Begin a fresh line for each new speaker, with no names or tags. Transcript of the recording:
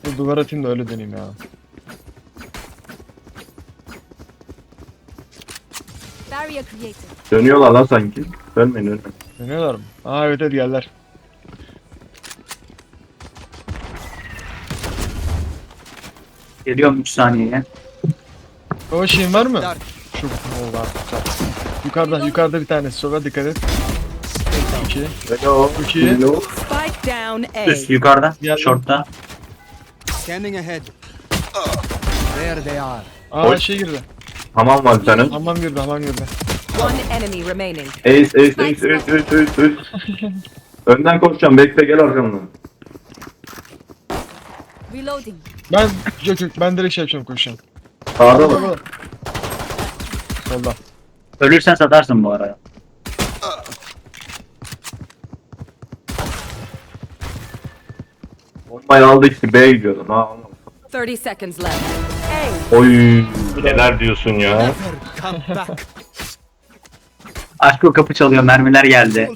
Bu duvar atayım da öyle deneyeyim ya.
Barrier created.
Dönüyorlar lan sanki. Dönmeyin önüne.
Dönüyorlar mı? Aa evet hadi geldiler.
Geliyorum 3 saniyeye.
O şeyin var mı? Şu oldu artık. Yukarıda bir tanesi. Sola dikkat et. 2.
Hello.
Çok iyi.
Hello.
Spike down A.
Üst yukarıda.
Geldim.
Short'ta.
Scanning ahead. There they are.
Aa
Oy.
şey girdi.
Hamam var bir tane.
Hamam girdi.
One enemy remaining.
Ace. Önden koşacağım. Bekle gel arkamdan.
Reloading.
Ben direkt şey yapacağım koşacağım.
Sağda mı?
Solda.
Ölürsen satarsın bu araya.
Bombayı aldı işte B'ye gidiyordum. Ha,
30 seconds left.
oy. Neler diyorsun ya?
Come back.
Aşkı kapı çalıyor. Mermiler geldi.